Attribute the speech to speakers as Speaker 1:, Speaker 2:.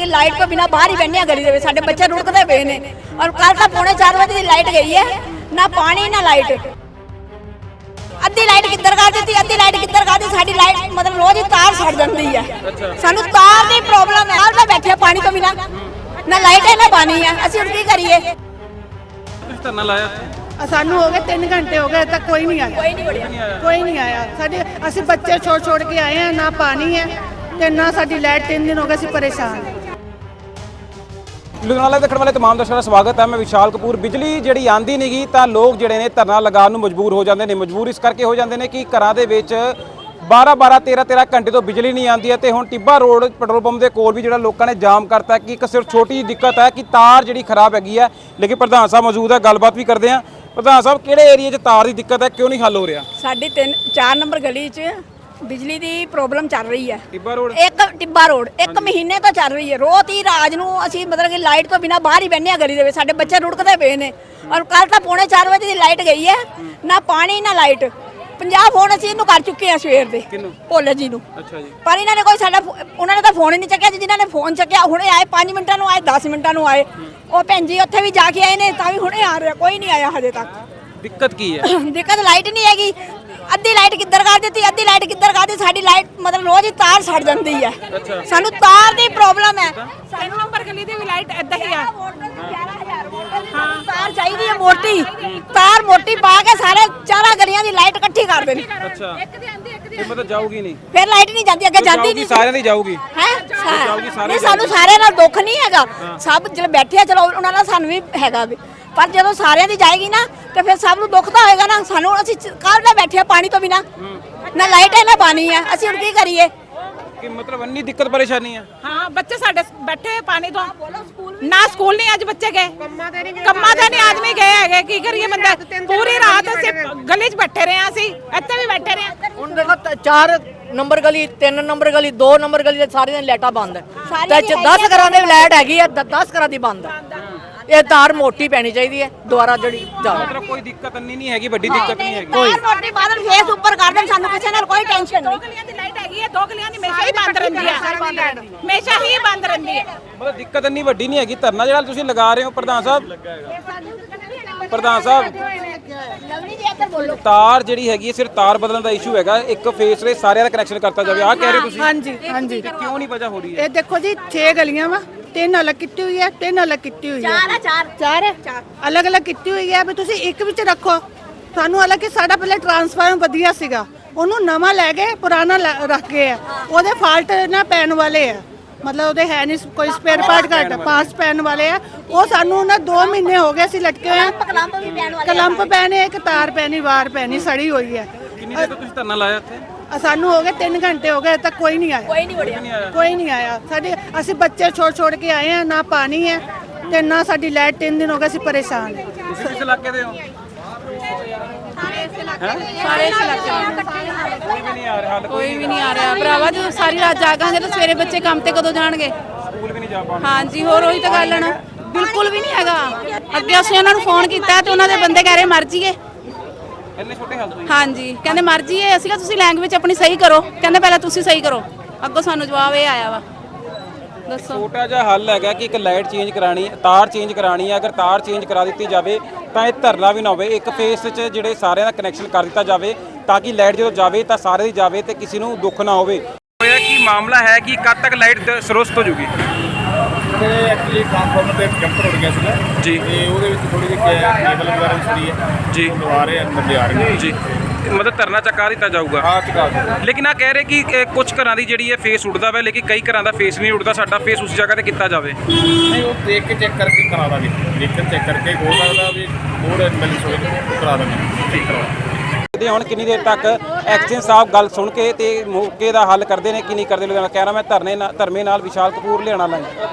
Speaker 1: कि लाइट तो बिना बाहर ही बहने गली दे साडे बच्चे रुकते पे ने और कल तो 3:45 बजे की लाइट गई है ना पानी ना लाइट अद्धी लाइट किधर कर दी अद्धी लाइट किधर कर दी साडी लाइट मतलब रोज ही तार सड़ जाती है सानू तार की प्रॉब्लम है हाल बैठे पानी तो बिना ना लाइट है ना पानी है असि हुण की करिए
Speaker 2: धरना लाया
Speaker 3: सानू हो गए 3 घंटे हो गए तक कोई नहीं आया कोई नहीं आया साडे असि बच्चे छोड़ के आए हैं ना पानी है ते ना साडी लाइट 3 दिन हो गए असि परेशान हैं।
Speaker 2: ਲੁਧਿਆਣਾ ਦੇਖਣ ਵਾਲੇ तमाम ਦਰਸ਼ਕਾਂ ਦਾ ਸਵਾਗਤ ਹੈ। ਮੈਂ ਵਿਸ਼ਾਲ ਕਪੂਰ। ਬਿਜਲੀ ਜਿਹੜੀ ਆਂਦੀ ਨਹੀਂਗੀ ਤਾਂ ਲੋਕ ਜਿਹੜੇ ਨੇ ਧਰਨਾ ਲਗਾਉਣ ਨੂੰ ਮਜਬੂਰ ਹੋ ਜਾਂਦੇ ਨੇ। ਮਜਬੂਰ ਇਸ ਕਰਕੇ ਹੋ ਜਾਂਦੇ ਨੇ ਕਿ ਘਰਾਂ ਦੇ ਵਿੱਚ 12-12 13-13 ਘੰਟੇ ਤੋਂ ਬਿਜਲੀ ਨਹੀਂ ਆਉਂਦੀ ਹੈ ਤੇ ਹੁਣ ਟਿੱਬਾ ਰੋਡ ਪੈਟਰੋਲ ਪੰਪ ਦੇ ਕੋਲ ਵੀ ਜਿਹੜਾ ਲੋਕਾਂ ਨੇ ਜਾਮ ਕਰਤਾ ਕਿ ਇੱਕ ਸਿਰਫ ਛੋਟੀ ਜਿਹੀ ਦਿੱਕਤ ਹੈ ਕਿ ਤਾਰ ਜਿਹੜੀ ਖਰਾਬ ਹੈਗੀ ਹੈ। ਲੇਕਿਨ ਪ੍ਰਧਾਨ ਸਾਹਿਬ ਮੌਜੂਦ ਹੈ, ਗੱਲਬਾਤ ਵੀ ਕਰਦੇ ਹਾਂ। ਪ੍ਰਧਾਨ ਸਾਹਿਬ, ਕਿਹੜੇ ਏਰੀਆ 'ਚ ਤਾਰ ਦੀ ਦਿੱਕਤ ਹੈ, ਕਿਉਂ ਨਹੀਂ ਹੱਲ ਹੋ ਰਿਹਾ?
Speaker 1: ਸਾਡੀ 4 ਨੰਬਰ ਗਲੀ 'ਚ ਬਿਜਲੀ ਦੀ ਪ੍ਰੋਬਲਮ ਚੱਲ ਰਹੀ ਹੈ।
Speaker 2: ਟਿੱਬਾ ਰੋਡ
Speaker 1: ਟਿੱਬਾ ਰੋਡ 1 ਮਹੀਨੇ ਤੋਂ ਚੱਲ ਰਹੀ ਹੈ। ਰੋਜ਼ ਹੀ ਰਾਤ ਨੂੰ ਅਸੀਂ ਮਤਲਬ ਕਿ ਲਾਈਟ ਤੋਂ ਬਿਨਾ ਬਾਹਰ ਹੀ ਬੈਠੇ ਆ ਗਲੀ ਦੇ ਵਿੱਚ ਸਾਡੇ ਬੱਚੇ ਰੁੜਕਦੇ ਪਏ ਨੇ ਔਰ ਕੱਲ ਤਾਂ 3:45 ਵਜੇ ਦੀ ਲਾਈਟ ਗਈ ਹੈ ਨਾ ਪਾਣੀ ਨਾ ਲਾਈਟ 50 ਫੋਨ ਅਸੀਂ ਇਹਨੂੰ ਕਰ ਚੁੱਕੇ ਆ ਸਵੇਰ ਦੇ ਭੋਲੇ ਜੀ ਨੂੰ।
Speaker 2: ਅੱਛਾ ਜੀ।
Speaker 1: ਪਰ ਇਹਨਾਂ ਨੇ ਕੋਈ ਸਾਡਾ ਉਹਨਾਂ ਨੇ ਤਾਂ ਫੋਨ ਹੀ ਨਹੀਂ ਚੱਕਿਆ। ਜਿਨ੍ਹਾਂ ਨੇ ਫੋਨ ਚੱਕਿਆ ਹੁਣੇ ਆਏ 5 ਮਿੰਟਾਂ ਨੂੰ ਆਏ 10 ਮਿੰਟਾਂ ਨੂੰ ਆਏ। ਉਹ ਭੈਣ ਜੀ ਉੱਥੇ ਵੀ ਜਾ ਕੇ ਆਏ ਨੇ ਤਾਂ ਵੀ ਹੁਣੇ ਆ ਰਿਹਾ, ਕੋਈ ਨਹੀਂ ਆਇਆ ਹਜੇ ਤੱਕ।
Speaker 2: ਦਿੱਕਤ ਕੀ ਹੈ?
Speaker 1: ਦਿੱਕਤ ਲਾਈਟ ਨਹੀਂ ਹੈਗੀ। ਅੱਧੀ ਲਾਈਟ ਕਿੱਧਰ ਕਰ ਦਿੱਤੀ ਅੱਧੀ ਲਾਈਟ ਕਿੱਧਰ ਕਰ ਦਿੱਤੀ ਸਾਡੀ ਲਾਈਟ ਮਤਲਬ ਰੋਜ਼ ਹੀ ਤਾਰ ਸੜ ਜਾਂਦੀ ਹੈ। ਸਾਨੂੰ ਤਾਰ ਦੀ ਪ੍ਰੋਬਲਮ ਹੈ।
Speaker 4: 3 ਨੰਬਰ ਗਲੀ ਦੀ ਵੀ ਲਾਈਟ ਏਦਾਂ ਹੀ ਆ।
Speaker 1: ਹਾਂ ਤਾਰ ਚਾਹੀਦੀ ਹੈ ਮੋਟੀ ਤਾਰ ਮੋਟੀ ਪਾ ਕੇ ਸਾਰੇ ਚਾਰਾਂ ਗਲੀਆਂ ਦੀ ਲਾਈਟ ਇਕੱਠੀ ਕਰ ਦੇਣੀ।
Speaker 2: ਅੱਛਾ, ਇਹ ਮਤਲਬ ਜਾਊਗੀ ਨਹੀਂ?
Speaker 1: ਫਿਰ ਲਾਈਟ ਨਹੀਂ ਜਾਂਦੀ, ਅੱਗੇ ਜਾਂਦੀ ਨਹੀਂ।
Speaker 2: ਸਾਰਿਆਂ ਦੀ ਜਾਊਗੀ
Speaker 1: ਹੈ ਨਹੀਂ, ਸਾਨੂੰ ਸਾਰਿਆਂ ਨਾਲ ਦੁੱਖ ਨਹੀਂ ਹੈਗਾ। ਸਭ ਜਿਹੜੇ ਬੈਠੇ ਆ ਚਲੋ ਉਹਨਾਂ ਨਾਲ ਸਾਨੂੰ ਵੀ ਹੈਗਾ ਵੀ, ਪਰ ਜਦੋਂ ਸਾਰਿਆਂ ਦੀ ਜਾਏਗੀ ਨਾ ਤੇ ਫਿਰ ਸਭ ਨੂੰ ਦੁੱਖ ਤਾਂ ਹੋਏਗਾ ਨਾ। ਸਾਨੂੰ ਅਸੀਂ ਕੱਲ ਦਾ ਬੈਠੇ ਆ ਪਾਣੀ ਤੋਂ ਬਿਨਾ ਨਾ ਲਾਈਟ ਹੈ ਨਾ ਪਾਣੀ ਹੈ, ਅਸੀਂ ਹੁਣ ਕੀ ਕਰੀਏ?
Speaker 2: ਕਿ ਮਤਲਬ ਇੰਨੀ ਦਿੱਕਤ ਪਰੇਸ਼ਾਨੀ ਆ?
Speaker 4: ਹਾਂ, ਬੱਚੇ ਸਾਡੇ ਬੈਠੇ ਪਾਣੀ ਤੋਂ ਨਾ ਸਕੂਲ ਨਹੀਂ ਅੱਜ ਬੱਚੇ ਗਏ, ਕੰਮਾਂ ਤੇ ਨਹੀਂ ਆਦਮੀ ਗਏ ਹੈਗੇ। ਕੀ ਕਰੀਏ ਬੰਦਾ? ਪੂਰੀ ਰਾਤ ਅਸੀਂ ਗਲੀ 'ਚ ਬੈਠੇ ਰਹੇ ਆ, ਅਸੀਂ ਇੱਥੇ ਵੀ ਬੈਠੇ ਰਹੇ।
Speaker 5: ਹੁਣ ਦੇਖੋ 4 ਨੰਬਰ ਗਲੀ 3 ਨੰਬਰ ਗਲੀ 2 ਨੰਬਰ ਗਲੀ ਦੇ ਸਾਰੀਆਂ ਲਾਈਟਾਂ ਬੰਦ ਹੈ ਤੇ 10 ਘਰਾਂ ਦੇ ਲਾਈਟ ਹੈਗੀ ਹੈ 10 ਘਰਾਂ ਦੀ ਬੰਦ ਹੈ। ਇਹ ਤਾਰ ਮੋਟੀ ਪੈਣੀ ਚਾਹੀਦੀ ਹੈ ਦੁਆਰਾ ਜਿਹੜੀ ਜਾਵੇ।
Speaker 2: ਮਤਲਬ ਕੋਈ ਦਿੱਕਤ ਨਹੀਂ ਹੈਗੀ, ਵੱਡੀ ਦਿੱਕਤ ਨਹੀਂ ਹੈਗੀ।
Speaker 1: ਕੋਈ ਮੋਟੀ ਬਾਦਲ ਫੇਸ ਉੱਪਰ ਕਰ ਦੇਣ ਸਾਨੂੰ ਕਿਸੇ ਨਾਲ ਕੋਈ ਟੈਨਸ਼ਨ ਨਹੀਂ।
Speaker 4: 2 ਗਲੀਆਂ ਦੀ ਲਾਈਟ ਹੈਗੀ ਹੈ, 2 ਗਲੀਆਂ ਦੀ ਹਮੇਸ਼ਾ ਹੀ ਬੰਦ ਰਹਿੰਦੀ ਹੈ, ਹਮੇਸ਼ਾ ਹੀ ਬੰਦ ਰਹਿੰਦੀ ਹੈ।
Speaker 2: ਮਤਲਬ ਦਿੱਕਤ ਇੰਨੀ ਵੱਡੀ ਨਹੀਂ ਹੈਗੀ। ਧਰਨਾ ਜਿਹੜਾ ਤੁਸੀਂ ਲਗਾ ਰਹੇ ਹੋ ਪ੍ਰਧਾਨ ਸਾਹਿਬ, ਪ੍ਰਧਾਨ ਸਾਹਿਬ ਤਾਰ ਜਿਹੜੀ ਹੈਗੀ ਸਿਰਫ ਤਾਰ ਬਦਲਣ ਦਾ ਇਸ਼ੂ ਹੈਗਾ, ਇੱਕ ਫੇਸ ਦੇ ਸਾਰਿਆਂ ਦਾ ਕਨੈਕਸ਼ਨ ਕਰਤਾ ਜਾਵੇ, ਆਹ ਕਹਿ ਰਹੇ ਤੁਸੀਂ?
Speaker 3: ਹਾਂਜੀ ਹਾਂਜੀ।
Speaker 2: ਕਿਉਂ ਨਹੀਂ ਵਜ੍ਹਾ ਹੋ ਰਹੀ ਹੈ?
Speaker 3: ਇਹ ਦੇਖੋ ਜੀ 6 ਗਲੀਆਂ ਵਾ, 3 ਅਲੱਗ ਕੀਤੀ ਹੋਈ ਹੈ 3 ਅਲੱਗ ਕੀਤੀ ਹੋਈ ਹੈ। ਚਾਰ ਅਲੱਗ ਅਲੱਗ ਕੀਤੀ ਹੋਈ ਹੈ ਵੀ ਤੁਸੀਂ ਇੱਕ ਵਿੱਚ ਰੱਖੋ। ਸਾਨੂੰ ਹਾਲਾਂਕਿ ਸਾਡਾ ਪਹਿਲੇ ਟਰਾਂਸਫਾਰਮਰ ਵਧੀਆ ਸੀਗਾ, ਉਹਨੂੰ ਨਵਾਂ ਲੈ ਗਏ ਪੁਰਾਣਾ ਰੱਖ ਗਏ ਆ। ਉਹਦੇ ਫਾਲਟ ਨਾ ਪੈਣ ਵਾਲੇ ਆ, ਮਤਲਬ ਉਹਦੇ ਹੈ ਨਹੀਂ ਕੋਈ ਸਪੇਅਰ ਪਾਰਟ ਘੱਟ ਪਾਸ ਪੈਣ ਵਾਲੇ ਆ। ਉਹ ਸਾਨੂੰ ਨਾ 2 ਮਹੀਨੇ ਹੋ ਗਏ ਅਸੀਂ ਲਟਕੇ ਹੋਏ ਆ। ਕਲੰਪ ਪੈਣੇ, ਇੱਕ ਤਾਰ ਪੈਣੀ, ਵਾਰ ਪੈਣੀ, ਸੜੀ ਹੋਈ ਹੈ।
Speaker 2: ਕਿੰਨੀ ਦੇਰ ਤੋਂ ਤੁਸੀਂ ਧਰਨਾ ਲਾਇਆ ਇੱਥੇ?
Speaker 3: ਸਾਨੂੰ ਹੋ ਗਏ 3 ਘੰਟੇ ਹੋ ਗਏ ਤੱਕ ਕੋਈ ਨਹੀਂ ਆਇਆ। ਕੋਈ ਨਹੀਂ ਆਇਆ। ਸਾਡੇ ਅਸੀਂ ਬੱਚੇ ਛੋੜ ਕੇ ਆਏ ਆ, ਨਾ ਪਾਣੀ ਹੈ ਤੇ ਨਾ ਸਾਡੀ ਲਾਈਟ 3 ਦਿਨ ਹੋ ਗਏ ਅਸੀਂ ਪਰੇਸ਼ਾਨ ਹਾਂ।
Speaker 2: ਤੁਸੀਂ ਕਿਸ ਇਲਾਕੇ ਦੇ ਹੋ?
Speaker 4: ਸਾਰੇ ਇਸ ਇਲਾਕੇ
Speaker 2: ਕੋਈ ਵੀ ਨਹੀਂ ਆ ਰਿਹਾ ਹੱਲ?
Speaker 4: ਕੋਈ ਵੀ ਨਹੀਂ ਆ ਰਿਹਾ ਭਰਾਵਾ। ਜਦੋਂ ਸਾਰੀ ਰਾਤ ਜਾਗਾਂਗੇ ਤਾਂ ਸਵੇਰੇ ਬੱਚੇ ਕੰਮ ਤੇ ਕਦੋਂ ਜਾਣਗੇ?
Speaker 2: ਸਕੂਲ ਵੀ ਨਹੀਂ ਜਾ ਪਾਉਂਦੇ?
Speaker 4: ਹਾਂਜੀ, ਹੋਰ ਉਹੀ ਤਾਂ ਗੱਲ ਹੈ ਨਾ, ਬਿਲਕੁਲ ਵੀ ਨਹੀਂ ਹੈਗਾ। ਅੱਗੇ ਅਸੀਂ ਉਹਨਾਂ ਨੂੰ ਫੋਨ ਕੀਤਾ ਤੇ ਉਹਨਾਂ ਦੇ ਬੰਦੇ ਕਹਿ ਰਹੇ ਮਰ ਜੀਏ।
Speaker 2: ਇੰਨੇ ਛੋਟੇ ਹਾਲ ਤੋਂ?
Speaker 4: ਹਾਂਜੀ, ਕਹਿੰਦੇ ਮਰ ਜੀਏ। ਅਸੀਂ ਕਿਹਾ ਤੁਸੀਂ ਲੈਂਗੁਏਜ ਆਪਣੀ ਸਹੀ ਕਰੋ, ਕਹਿੰਦੇ ਪਹਿਲਾਂ ਤੁਸੀਂ ਸਹੀ ਕਰੋ। ਅੱਗੋਂ ਸਾਨੂੰ ਜਵਾਬ ਇਹ ਆਇਆ ਵਾ। ਦੱਸੋ।
Speaker 2: ਛੋਟਾ ਜਿਹਾ ਹੱਲ ਹੈਗਾ ਕਿ ਇੱਕ ਲਾਈਟ ਚੇਂਜ ਕਰਾਣੀ, ਤਾਰ ਚੇਂਜ ਕਰਾਣੀ ਹੈ। ਅਗਰ ਤਾਰ ਚੇਂਜ ਕਰਾ ਦਿੱਤੀ ਜਾਵੇ ਤਾਂ ਇਹ ਧਰਨਾ ਵੀ ਨਾ ਹੋਵੇ, ਇੱਕ ਫੇਸ 'ਚ ਜਿਹੜੇ ਸਾਰਿਆਂ ਦਾ ਕਨੈਕਸ਼ਨ ਕਰ ਦਿੱਤਾ ਜਾਵੇ ਤਾਂ ਕਿ ਲਾਈਟ ਜਦੋਂ ਜਾਵੇ ਤਾਂ ਸਾਰੇ ਦੀ ਜਾਵੇ ਤੇ ਕਿਸੇ ਨੂੰ ਦੁੱਖ ਨਾ ਹੋਵੇ। ਹੋਇਆ ਕੀ ਮਾਮਲਾ ਹੈ ਕਿ ਕਦ ਤੱਕ ਲਾਈਟ ਸਰੋਸਤ ਹੋ ਜੂਗੀ?
Speaker 6: ਤੇ ਐਕਚੁਅਲੀ ਟ੍ਰਾਂਸਫਾਰਮਰ ਤੇ ਜੰਪਰ ਉੱਡ ਗਿਆ ਸੀਗਾ
Speaker 2: ਜੀ,
Speaker 6: ਤੇ ਉਹਦੇ ਵਿੱਚ ਥੋੜੀ ਜਿਹੀ ਕੇਬਲ ਵਗੈਰਾ ਵੀ ਸੜੀ ਹੈ
Speaker 2: ਜੀ,
Speaker 6: ਲਵਾ ਰਹੇ ਅੰਦਰ ਲਿਆ ਰਹੇ
Speaker 2: ਜੀ। ਮਤਲਬ ਧਰਨਾ ਚੁਕਾ ਦਿੱਤਾ ਜਾਊਗਾ?
Speaker 6: ਹਾਂ ਚੁਕਾ ਦਿਓ।
Speaker 2: ਲੇਕਿਨ ਆ ਕਹਿ ਰਹੇ ਕਿ ਕੁਝ ਘਰਾਂ ਦੀ ਜਿਹੜੀ ਹੈ ਫੇਸ ਉੱਡਦਾ ਵਾ, ਲੇਕਿਨ ਕਈ ਘਰਾਂ ਦਾ ਫੇਸ ਨਹੀਂ ਉੱਡਦਾ। ਸਾਡਾ ਫੇਸ ਉਸ ਜਗ੍ਹਾ ਤੇ ਕੀਤਾ ਜਾਵੇ।
Speaker 6: ਨਹੀਂ, ਉਹ ਦੇਖ ਕੇ ਚੈੱਕ ਕਰਕੇ ਕਰਾ ਦਾਂਗੇ, ਦੇਖ ਕੇ ਚੈੱਕ ਕਰਕੇ ਹੋ ਸਕਦਾ ਵੀ ਹੋਰ ਮਿਲ ਸੋਏ ਕਰਾ ਦਾਂਗੇ, ਠੀਕ ਕਰਵਾ
Speaker 2: ਤੇ ਹੁਣ ਕਿੰਨੀ ਦੇਰ ਤੱਕ ਐਕਸ਼ਨ ਸਾਹਿਬ ਗੱਲ ਸੁਣ ਕੇ ਤੇ ਮੌਕੇ ਦਾ ਹੱਲ ਕਰਦੇ ਨੇ ਕਿ ਨਹੀਂ ਕਰਦੇ? ਲੁਧਿਆਣਾ ਕਹਿ ਰਹਾ ਮੈਂ ਧਰਮੇ ਨਾਲ ਵਿਸ਼ਾਲ ਕਪੂਰ, ਲੁਧਿਆਣਾ ਲਾਈਵ।